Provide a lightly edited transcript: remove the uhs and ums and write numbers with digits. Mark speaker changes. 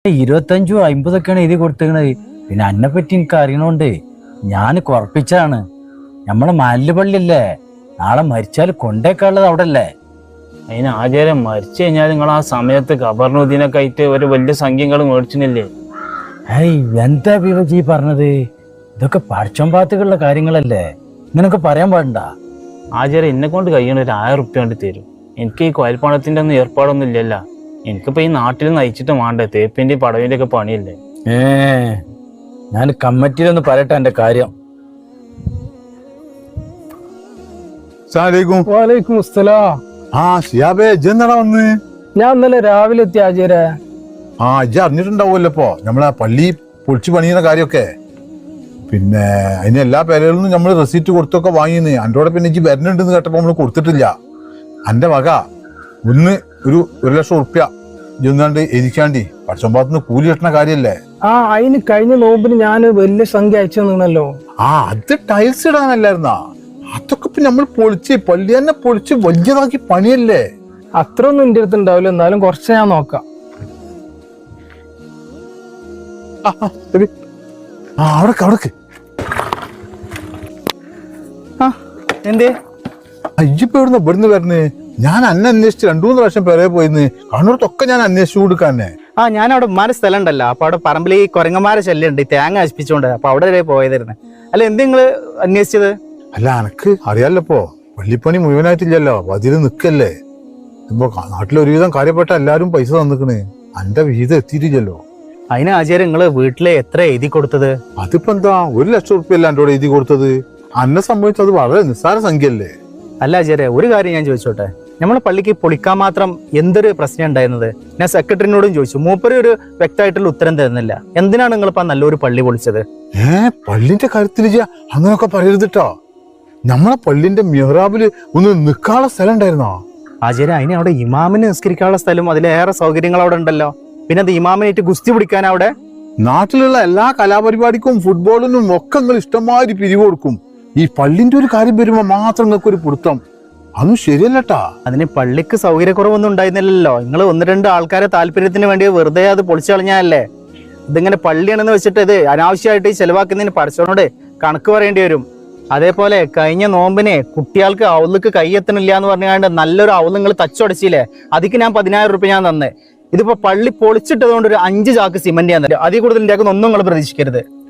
Speaker 1: 25 50 എഴുതി കൊടുത്തേക്കണത്. പിന്നെ അന്നെ പറ്റി എനിക്ക് അറിയണോണ്ട് ഞാൻ കുറപ്പിച്ചാണ്. നമ്മളെ മാലില് പള്ളിയല്ലേ, നാളെ മരിച്ചാൽ കൊണ്ടേക്കാനുള്ളത് അവിടെ അല്ലേ.
Speaker 2: അതിന് ആചാരം മരിച്ചു കഴിഞ്ഞാൽ നിങ്ങൾ ആ സമയത്ത് ഖബറിനുദ്ദീനൊക്കെ ആയിട്ട് ഒരു വലിയ സംഖ്യകൾ മേടിച്ചില്ലേ?
Speaker 1: എന്താ വിവജി പറഞ്ഞത്? ഇതൊക്കെ പഠിച്ചോമ്പാത്തുകളുടെ കാര്യങ്ങളല്ലേ, ഇങ്ങനൊക്കെ പറയാൻ പാടണ്ട.
Speaker 2: ആചാരം എന്നെ കൊണ്ട് കഴിയണ ഒരു 1000 റുപ്യ കൊണ്ട് തരും. എനിക്ക് ഈ കോയൽപ്പണത്തിന്റെ ഒന്നും ഏർപ്പാടൊന്നും ഇല്ലല്ല. എനിക്കിപ്പോ ഈ നാട്ടിൽ നയിച്ചിട്ട് വേണ്ടേ, തേപ്പിന്റെ പടവിന്റെ ഒക്കെ പണിയല്ലേ.
Speaker 1: ഞാൻ കമ്മിറ്റിയിലൊന്ന് പറയട്ടെ എന്റെ കാര്യം.
Speaker 3: ഞാൻ ഇന്നലെ രാവിലെ എത്തി ആചാര്യ.
Speaker 4: ഇജ്ജ് അറിഞ്ഞിട്ടുണ്ടാവുമല്ലോ ഇപ്പൊ നമ്മളെ പള്ളി പൊളിച്ചു പണിയുന്ന കാര്യമൊക്കെ. പിന്നെ അതിന് എല്ലാ പേരുകളിൽ നിന്നും നമ്മള് റെസീറ്റ് കൊടുത്തൊക്കെ വാങ്ങിന്ന്. അൻ്റോടെ പിന്നെ ഇജ്ജ് വരുന്നുണ്ടെന്ന് കേട്ടപ്പോ നമ്മള് കൊടുത്തിട്ടില്ല. അന്റെ വക ഒന്ന് ഒരു 1,00,000 റുപ്യ ഇതൊന്നാണ്ട് എരിക്കാണ്ടി പച്ചമ്പാത്തുനിന്ന് കൂലി കിട്ടുന്ന കാര്യല്ലേ.
Speaker 3: അതിന് കഴിഞ്ഞ നോമ്പിന് ഞാൻ വലിയ സംഖ്യ അയച്ചു തന്നല്ലോ.
Speaker 4: അത് ടൈൽസ് ഇടാനല്ലായിരുന്നാ? അതൊക്കെ ഇപ്പൊ നമ്മൾ പൊളിച്ച് പള്ളി തന്നെ പൊളിച്ച് വലിയതാക്കി പണിയല്ലേ.
Speaker 3: അത്ര ഒന്നും എന്റെ അടുത്ത് ഉണ്ടാവില്ല, എന്നാലും കുറച്ച് ഞാൻ നോക്കാം.
Speaker 4: അവിടേക്ക്
Speaker 2: എന്തേ
Speaker 4: അയ്യപ്പ എവിടുന്ന ഇവിടുന്ന് വരണേ? ഞാൻ അന്നെ അന്വേഷിച്ച് 2-3 പ്രാവശ്യം പേരെ പോയിന്ന്. കണ്ണൂരത്തൊക്കെ ഞാൻ അന്വേഷിച്ചു കൊടുക്കാന്നെ.
Speaker 5: ഞാൻ അവിടെ ഉമ്മാരെ സ്ഥലം ഉണ്ടല്ലോ, അപ്പൊ അവിടെ പറമ്പിൽ ഈ കുരങ്ങന്മാരെ ശല്യം ഉണ്ട്, തേങ്ങ നശിപ്പിച്ചോണ്ട്. അപ്പൊ അവിടെ വരെ പോയതായിരുന്നു. അല്ല എന്ത് നിങ്ങള് അന്വേഷിച്ചത്?
Speaker 4: അല്ല എനക്ക് അറിയാലോ, പള്ളിപ്പണി മുഴുവനായിട്ടില്ലല്ലോ, അപ്പൊ അതിൽ നിക്കല്ലേ. ഇപ്പൊ നാട്ടിൽ ഒരുവിധം കാര്യപ്പെട്ട എല്ലാരും പൈസ തന്നിക്കണ്. അന്റെ വിഹിതം എത്തിയിട്ടില്ലല്ലോ.
Speaker 5: അതിന് ആചാര്യ നിങ്ങള് വീട്ടില് എത്ര എഴുതി കൊടുത്തത്?
Speaker 4: അതിപ്പോ എന്താ 1,00,000 റുപ്യ അല്ല എന്റെ എഴുതി കൊടുത്തത്. അന്നെ സംബന്ധിച്ച് അത് വളരെ നിസ്സാര സംഖ്യ അല്ലേ.
Speaker 5: അല്ല ആചാര്യ, ഒരു കാര്യം ഞാൻ ചോദിച്ചോട്ടെ, നമ്മളെ പള്ളിക്ക് പൊളിക്കാൻ മാത്രം എന്തൊരു പ്രശ്നം ഉണ്ടായിരുന്നത്? ഞാൻ സെക്രട്ടറിനോടും ചോദിച്ചു, മൂപ്പര് ഒരു വ്യക്തമായിട്ടുള്ള ഉത്തരം തരുന്നില്ല. എന്തിനാണ് നിങ്ങളിപ്പോ നല്ലൊരു പള്ളി പൊളിച്ചത്?
Speaker 4: പള്ളിന്റെ കാര്യത്തിൽ അങ്ങനൊക്കെ പറയരുതിട്ടോ. നമ്മളെ പള്ളിന്റെ മിഹ്റാബില് ഒന്ന് നിക്കാനുള്ള സ്ഥലം ഉണ്ടായിരുന്നോ?
Speaker 5: ആചാര്യ, അതിന് അവിടെ ഇമാമിന് നിസ്കരിക്കാനുള്ള സ്ഥലം അതിലേറെ സൗകര്യങ്ങൾ അവിടെ ഉണ്ടല്ലോ. പിന്നെ അത് ഇമാമിനായിട്ട് ഗുസ്തി പിടിക്കാൻ അവിടെ
Speaker 4: നാട്ടിലുള്ള എല്ലാ കലാപരിപാടിക്കും ഫുട്ബോളിനും ഒക്കെ നിങ്ങൾ ഇഷ്ടംമാതിരി പിരിവ് കൊടുക്കും. ഈ പള്ളിന്റെ ഒരു കാര്യം വരുമ്പോ മാത്രം നിങ്ങൾക്ക് ഒരു പിടുത്തം. അതൊന്നും ശരിയല്ലട്ടാ.
Speaker 5: അതിന് പള്ളിക്ക് സൗകര്യക്കുറവൊന്നും ഉണ്ടായിരുന്നില്ലല്ലോ. നിങ്ങൾ 1-2 ആൾക്കാരെ താല്പര്യത്തിന് വേണ്ടി വെറുതെ അത് പൊളിച്ചു കളഞ്ഞാലേ. ഇതിങ്ങനെ പള്ളിയാണെന്ന് വെച്ചിട്ട് ഇത് അനാവശ്യമായിട്ട് ചെലവാക്കുന്നതിന് പടച്ചവനോട് കണക്ക് പറയേണ്ടി വരും. അതേപോലെ കഴിഞ്ഞ നോമ്പിനെ കുട്ടികൾക്ക് ഔലേക്ക് കൈയെത്തണില്ല എന്ന് പറഞ്ഞാണ്ട് നല്ലൊരു ഔല് നിങ്ങൾ തച്ചുടച്ചില്ലേ, അതിക്ക് ഞാൻ 10,000 റുപ്യ ഞാൻ തന്നെ. ഇതിപ്പോ പള്ളി പൊളിച്ചിട്ടതുകൊണ്ട് ഒരു 5 ചാക്ക് സിമന്റ് ഞാൻ തരും. അതിൽ കൂടുതൽ ഒന്നും നിങ്ങൾ പ്രതീക്ഷിക്കരുത്.